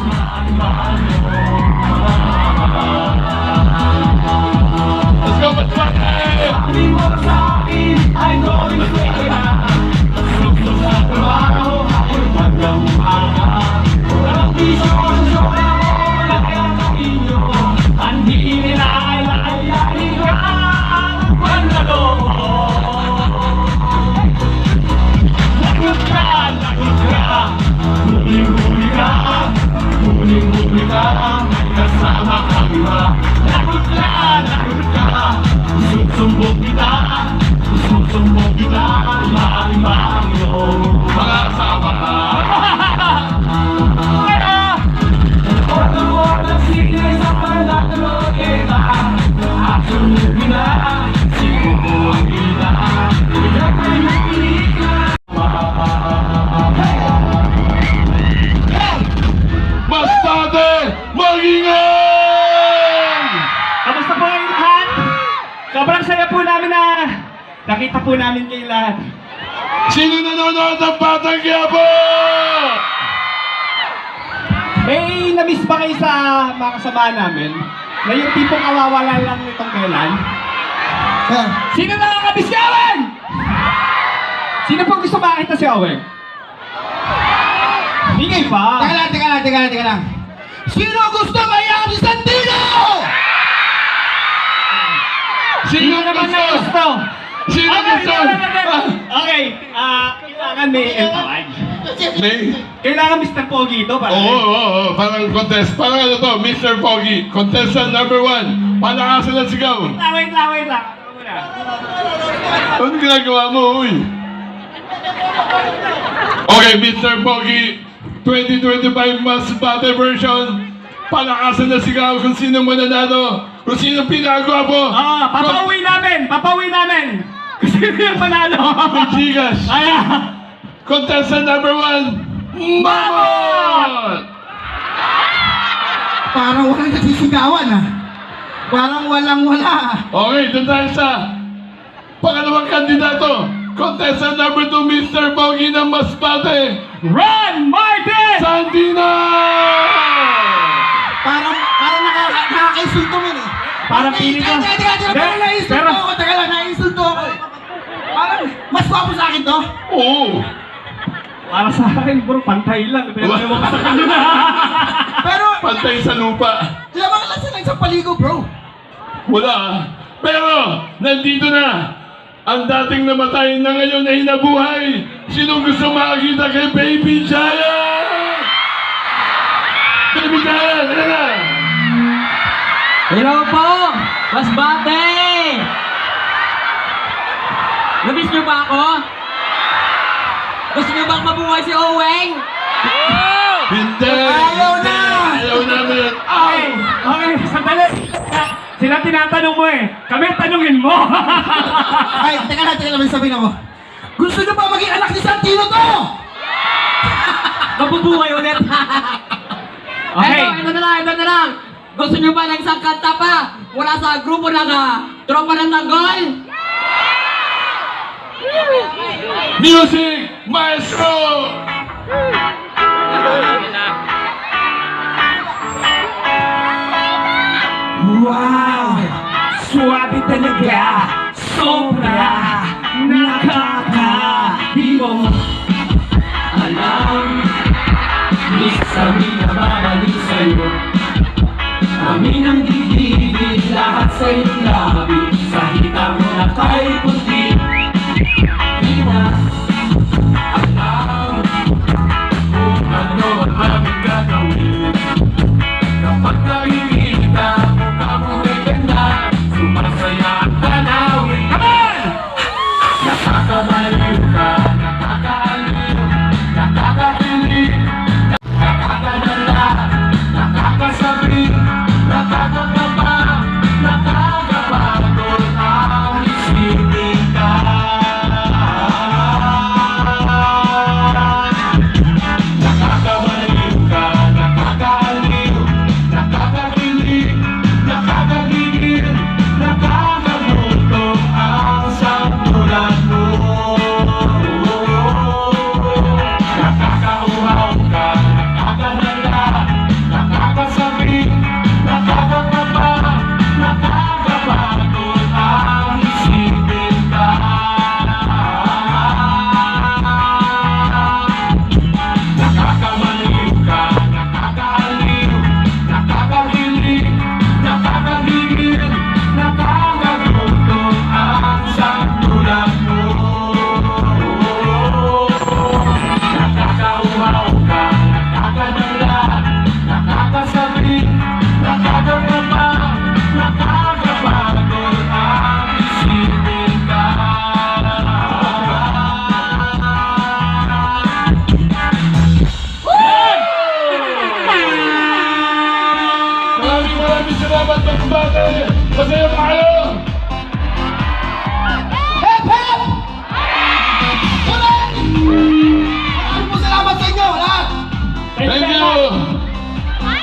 Let's go, let's go! Sabi mo sa akin ay going straight na. Gusto sa trabaho, ako'y magdamuhaga. Walang piso sa sobra mo, wala kaya sa inyo. Hindi nila alayahin ka ang panalo. Lagot ka, huling-huli ka, huling-huli ka, may kasama kang iba. Lagot ka, susumbong kita, lima ang iyong mga kasama. Order sige sa panatalo kita, at sumugin na, siguro ang kita. Iyak na yung pilika. Masbate, mag-ingay! Kamusta po kayong lahat? Sobrang saya po namin na nakita po namin kayo lahat. Sino nanonood ng Batang Quiapo? May na-miss ba kayo sa mga kasama namin? Na yung tipong kawawala lang nitong kailan? Sino nakakamiss si Owen? Sino po gusto makita si Owen? Hingay pa! Teka lang. Sino gusto mayami sa Santino? Sino naman na gusto? gusto? Sino gusto? Okay, kailangan may entourage. May? Kailangan Mr. Pogi ito para Oo, parang contest. Parang ano to, Mr. Pogi. Contestant number 1. Palakasan ng sigaw. Wait lang. Ano ginagawa mo, uy? Okay, Mr. Pogi. 2025 Masbate version. Palakasan ng sigaw kung sino mananalo. Kung sino pinagwapo. Papauwi namin! Kasi yung manalo! Gigas. Contestant number 1, Mamon! Parang walang nagsisigawan Parang walang-wala. Okay, doon tayo sa pangalawang kandidato. Contestant number 2, Mr. Pogi ng Masbate, Ron Martin! Sandina! Parang nakaka-insulto mo Parang pili ko. Parang naiinsulto ako. Parang mas gwapo sa akin to. Oo. Para sa akin, bro, pantay lang. Pinagawa ka sa kanila. Pero, Pantay sa lupa. lamang lang sila sa paligo, bro. Wala. Pero, nandito na. Ang dating namatay na ngayon ay nabuhay. Sinong gusto makakita kay Baby Giant? Baby Giant, ano na? Hello po! Masbate! Namiss niyo ba ako? Gusto niyo bang mabuhay si Oweng? Hindi! Ayaw na! Ayaw namin! Okay, sandali. Sila tinatanong mo Kami tanungin mo. Ay, teka lang, may sabihin ako. Gusto niyo ba maging anak ni Santino to? Mabubuhay ulit! Okay. Ito na lang! Gusto niyo ba ng isang kanta pa? Wala sa grupo ng tropa ng tanggol? Music Maestro! Wow! Swabe talaga! Sobra! Nakakahimo! Alam! Minsan minababalik sa'yo. Kami nang gigilid lahat sa iyong labi. Sa hita mo na kay puti. Di na alam kung ano ang aming gagawin. Kapag nakikita mo kamuhay ka na, sumasaya ang tanawin. Come on! Nakakabaliw ka, nakakaaliw, nakakahilig, nakakadala, nakakasabi, nakakakaba, nakakapagod ang isipin. Maraming salamat, Masbate! Masaya pa kayo!